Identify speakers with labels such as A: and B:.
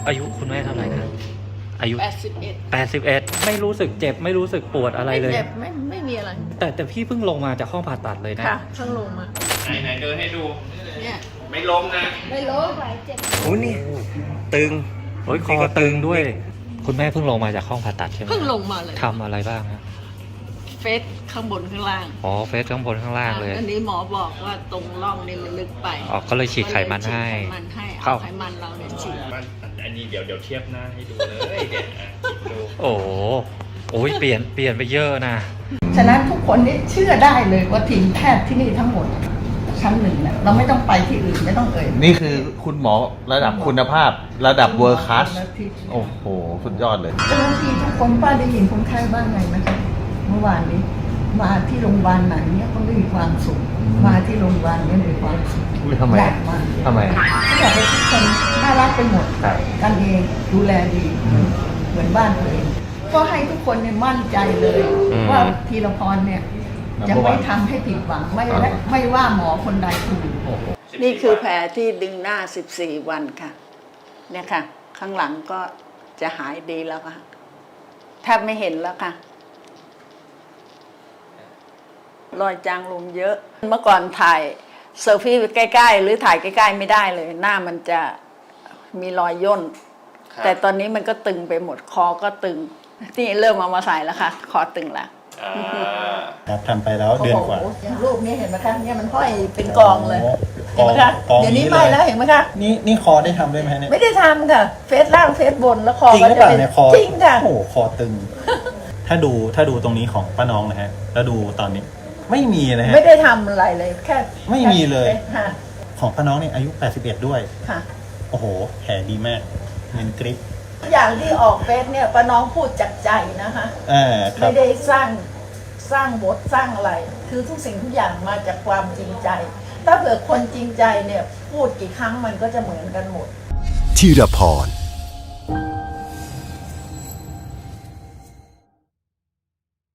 A: อายุคุณแม่เท่าไหร่ครับอายุ
B: 81
A: ไม่รู้สึกเจ็บไม่รู้สึกปวดอะไรเลย
B: ไม่เจ็บไม่มีอะไร
A: แต่พี่เพิ่งลงมาจากห้องผ่าตัดเลยนะ
B: ค่ะเพิ่งลงมา
C: ไหนเดินให้ดู
B: เนี่ย
C: ไม่ล้มนะ
B: ไม่ล้มเจ็บ
A: โอ้นี่ตึงโอ้ยคอตึงด้วยคุณแม่เพิ่งลงมาจากห้องผ่าตัดใช่ไหม
B: เพิ่งลงมาเลย
A: ทำอะไรบ้างครับ
B: เฟสข้างบนข้างล่าง
A: อ๋อเฟสข้างบนข้างล่างเลย
B: อันนี้หมอบอกว่าตรงร่องนี่มันลึกไป
A: อ๋อก็เลยฉีดไขมันให้
B: เอาไขมันเราเนี่ยฉีด
C: อันนี้เดี๋ยวเทียบหน้าให้ดูเลยเด็ดดู
A: โอ้โอ้ยเปลี่ยนไปเยอะนะ
B: ฉะนั้นทุกคนนี่เชื่อได้เลยว่าทีมแพทย์ที่นี่ทั้งหมดชั้นหนึ่งเนี่ยเราไม่ต้องไปที่อื่นไม่ต้อง
D: นี่คือคุณหมอระดับคุณภาพระดับเวิร์คคลาสโอ้โหสุดยอดเลย
B: เจ้าหน้าที่ทุกคนป้าได้ยินคนไข้บ้างไงนะคะเมื่อวานนี้มาที่โรงพยาบาลไหนเนี่ยก็มีความสุขมาที่โรงพยาบาลเนี่ยมีความสุข
D: ทำไม
B: เขาบอกว่าทุกคนน่ารักไปหมดกันเองดูแลดีเหมือนบ้านตัวเองก็ให้ทุกคนเนี่ยมั่นใจเลยว่าธีรพรเนี่ยจะไม่ทำให้ผิดหวังไม่ว่าหมอคนใดคนหนึ่งนี่คือแผลที่ดึงหน้า14 วันค่ะเนี่ยค่ะข้างหลังก็จะหายดีแล้วค่ะแทบไม่เห็นแล้วค่ะรอยจางลมเยอะเมื่อก่อนถ่ายเซลฟี่ใกล้ๆหรือถ่ายใกล้ๆไม่ได้เลยหน้ามันจะมีรอยย่นแต่ตอนนี้มันก็ตึงไปหมดคอก็ตึงนี่เริ่มเอามาใส่แล้วค่ะคอตึงแล้ว
E: ครับทำไปแล้วเดือนกว่า
B: รูปนี้เห็นไหมคะเนี่ยมันห้อยเป็นกองเลยเห็นไหมคะเดี๋ยวนี้ไม่แล้วเห็นไหมคะ
E: นี่คอได้ทำได้ไหมเนี่ย
B: ไม่ได้ทำค่ะเฟซล่างเฟซบนแล้วคอ
E: จริงหรือเปล่าเนี่ยคอ
B: จริงค่ะ
E: โอ้โหคอตึงถ้าดูตรงนี้ของป้าน้องนะฮะแล้วดูตอนนี้ไม่มีนะฮะ
B: ไม่ได้ทำอะไรเลยแค่
E: ไม่มีเลยของป้าน้องเนี่ยอายุ81ด้วย
B: ค่ะ
E: โอ้โหแผลดีมากเงินกริป
B: อย่างที่ออกเฟซเนี่ยป้าน้องพูดจากใจนะคะไม่ได้สร้างบทสร้างอะไรคือทุกสิ่งทุกอย่างมาจากความจริงใจถ้าเผื่อคนจริงใจเนี่ยพูดกี่ครั้งมันก็จะเหมือนกันหมด
F: ธีรพร